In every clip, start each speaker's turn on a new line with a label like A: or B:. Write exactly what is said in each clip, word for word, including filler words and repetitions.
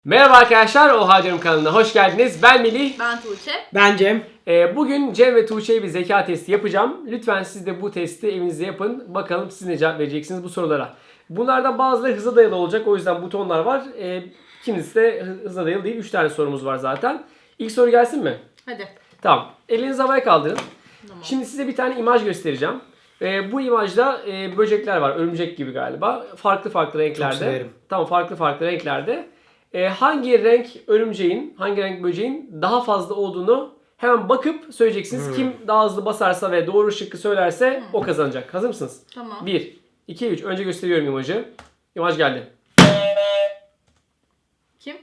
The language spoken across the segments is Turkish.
A: Merhaba arkadaşlar, Oha Diyorum kanalına hoş geldiniz. Ben Melih.
B: Ben Tuğçe.
C: Ben Cem.
A: Ee, bugün Cem ve Tuğçe'ye bir zeka testi yapacağım. Lütfen siz de bu testi evinizde yapın. Bakalım siz ne cevap vereceksiniz bu sorulara. Bunlardan bazıları hıza dayalı olacak. O yüzden butonlar var. Ee, kimisi de hıza dayalı değil. üç tane sorumuz var zaten. İlk soru gelsin mi?
B: Hadi.
A: Tamam. Elinizi havaya kaldırın.
B: Tamam.
A: Şimdi size bir tane imaj göstereceğim. Ee, bu imajda e, böcekler var. Örümcek gibi galiba. Farklı farklı renklerde.
C: Çok severim.
A: Tamam, farklı farklı renklerde. Ee, hangi renk örümceğin, hangi renk böceğin daha fazla olduğunu hemen bakıp söyleyeceksiniz.
C: Hmm.
A: Kim daha hızlı basarsa ve doğru şıkkı söylerse
B: Hmm.
A: o kazanacak. Hazır mısınız?
B: Tamam.
A: bir, iki, üç. Önce gösteriyorum imajı. İmaj geldi.
B: Kim?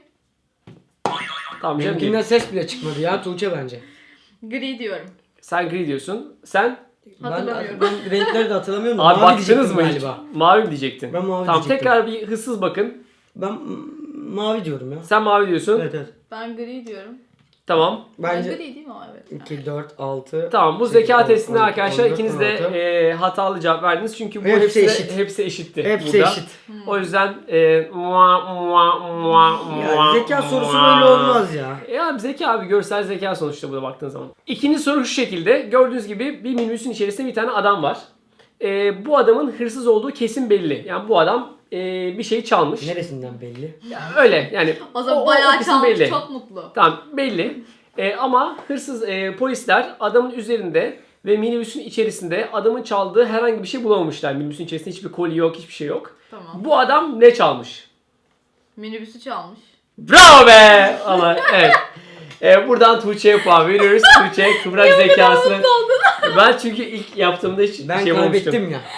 A: Tamam canım.
C: Benimkinden ses bile çıkmadı ya, Tuğçe bence.
B: Gri diyorum.
A: Sen gri diyorsun. Sen
B: Hatırlamıyorum.
C: Ben, ben renkleri de hatırlamıyorum da
A: abi
C: mavi
A: baktınız
C: diyecektim
A: mı hiç?
C: galiba.
A: Mavi mi diyecektin?
C: Ben mavi
A: Tamam,
C: diyecektim.
A: tekrar bir hızsız bakın.
C: Ben mm, mavi diyorum ya.
A: Sen mavi diyorsun.
C: Evet evet.
B: Ben gri diyorum.
A: Tamp.
B: Ben
C: Bence
B: gri değil mi o? Evet.
C: iki, dört, altı.
A: Tamam, bu
C: sekiz,
A: zeka
C: on,
A: testinde
C: on iki,
A: arkadaşlar
C: on dört,
A: ikiniz
C: on
A: de
C: altı.
A: e, hatalı cevap verdiniz. Çünkü bu
C: Hepsi
A: hepsi,
C: eşit.
A: hepsi eşitti
C: Hepsi
A: burada.
C: eşit.
A: O yüzden e, mua, mua, mua,
C: Ya
A: mua,
C: zeka sorusu
A: mua.
C: böyle olmaz ya.
A: E abi zeka abi, görsel zeka sonuçta burada baktığın zaman. İkinci soru şu şekilde. Gördüğünüz gibi bir minibüsün içerisinde bir tane adam var. E, bu adamın hırsız olduğu kesin belli. Yani bu adam e, bir şey çalmış.
C: Neresinden belli?
A: Ya öyle yani.
B: O zaman
A: o- o
B: bayağı
A: kısım
B: çalmış,
A: belli.
B: çok mutlu.
A: Tamam, belli. E, ama hırsız e, polisler adamın üzerinde ve minibüsün içerisinde adamın çaldığı herhangi bir şey bulamamışlar. Minibüsün içerisinde hiçbir kolye yok, hiçbir şey yok.
B: Tamam.
A: Bu adam ne çalmış?
B: Minibüsü çalmış.
A: Bravo be! Ama evet. E, buradan Tuğçe'ye puan veriyoruz. Tuğçe kıvrak zekasını. Ben çünkü ilk yaptığımda hiç
C: Ben
A: şey olmamıştım.
C: kaybettim ya.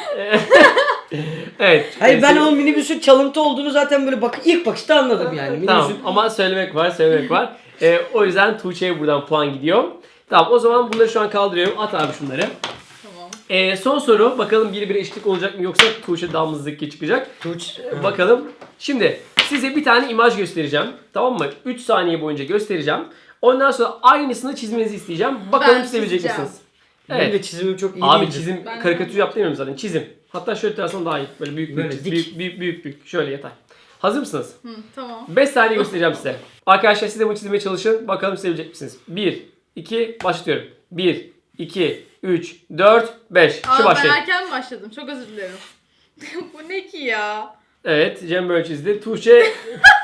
A: Evet.
C: Hayır
A: e,
C: ben
A: sen-
C: o minibüsün çalıntı olduğunu zaten böyle bak ilk bakışta anladım yani. Minibüsün...
A: Tamam, ama söylemek var, söylemek var. E, o yüzden Tuğçe'ye buradan puan gidiyor. Tamam, o zaman bunları şu an kaldırıyorum. At abi şunları.
B: Tamam.
A: E, son soru. Bakalım bir bir eşitlik olacak mı yoksa Tuğçe damızlık çıkacak.
C: Tuğçe.
A: E, bakalım. Şimdi size bir tane imaj göstereceğim. Tamam mı? üç saniye boyunca göstereceğim. Ondan sonra aynısını çizmenizi isteyeceğim. Bakalım
B: Ben
A: çizebilecek
B: çizeceğim.
A: misiniz?
C: Benim
A: Evet.
C: de çizimim çok iyi
A: Abi
C: değildi.
A: çizim,
B: Ben-
A: karikatür yap demiyorum zaten. Çizim. Hatta şöyle tutarsam daha iyi. Böyle büyük büyük
C: Böyle
A: çiz.
C: dik.
A: Büyük, büyük büyük büyük. Şöyle yeter. Hazır mısınız?
B: Hı, tamam.
A: beş saniye göstereceğim size. Arkadaşlar siz de bunu çizmeye çalışın. Bakalım çizebilecek misiniz? bir, iki, başlıyorum. bir, iki, üç, dört, beş. Şu
B: Aa, ben
A: başlayın.
B: erken başladım. Çok özür dilerim. Bu ne ki ya?
A: Evet, Cem böyle çizdi. Tuğçe,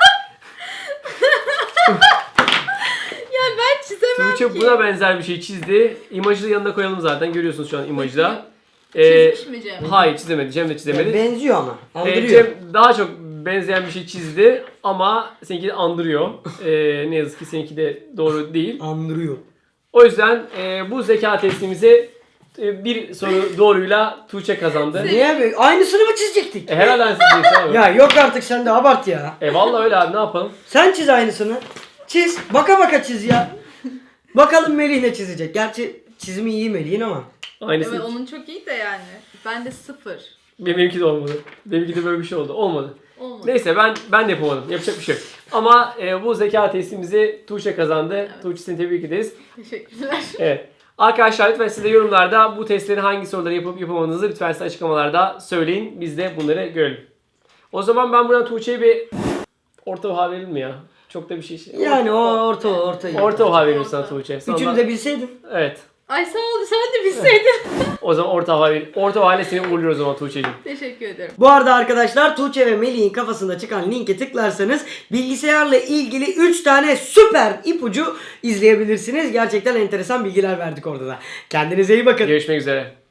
B: Ya ben çizemem
A: Tuğçe
B: ki.
A: buna benzer bir şey çizdi. İmajı da yanına koyalım zaten. Görüyorsunuz şu an imajda. Ee,
B: Çizmiş mi Cem?
A: hayır, çizemedi. Cem de çizemedi.
C: Benziyor ama.
A: Ee,
C: Andırıyor.
A: Cem daha çok benzeyen bir şey çizdi ama seninki de andırıyor. Ee, ne yazık ki seninki de doğru değil.
C: Andırıyor.
A: O yüzden e, bu zeka testimizi e, bir soru doğruyla Tuğçe kazandı.
C: Niye be? Aynısını mı çizecektik?
A: E, herhalde siz diyeceksin abi.
C: Ya yok artık sen de abart ya.
A: E vallahi öyle abi, ne yapalım?
C: Sen çiz aynısını. Çiz. Baka baka çiz ya. Bakalım Melih ne çizecek. Gerçi çizimi iyi Melih'in ama.
A: Aynısı.
B: Evet, onun çok iyi de yani. Ben de sıfır.
A: Benimki de olmadı. Benimki de böyle bir şey oldu. Olmadı.
B: Olmadı.
A: Neyse ben ben de yapamadım. Yapacak bir şey yok. Ama e, bu zeka testimizi Tuğçe kazandı.
B: Evet.
A: Tuğçe, seni tebrik ederiz.
B: Teşekkürler.
A: Evet. Arkadaşlar lütfen siz de yorumlarda bu testleri hangi soruları yapıp yapamadığınızı lütfen size açıklamalarda söyleyin. Biz de bunları görelim. O zaman ben buradan Tuğçe'ye bir orta oha verelim mi ya? Çok da bir şey.
C: Yani o orta orta. iyi.
A: Orta oha veririm sana Tuğçe. Sonra-
C: Üçünü de bilseydim.
A: Evet.
B: Ay sağ ol, sen de bilseydin.
A: O zaman orta oha ver. Orta oha ile seni uğurluyoruz o zaman Tuğçe'cim.
B: Teşekkür ederim.
C: Bu arada arkadaşlar Tuğçe ve Melih'in kafasında çıkan linke tıklarsanız bilgisayarla ilgili üç tane süper ipucu izleyebilirsiniz. Gerçekten enteresan bilgiler verdik orada da. Kendinize iyi bakın.
A: Görüşmek üzere.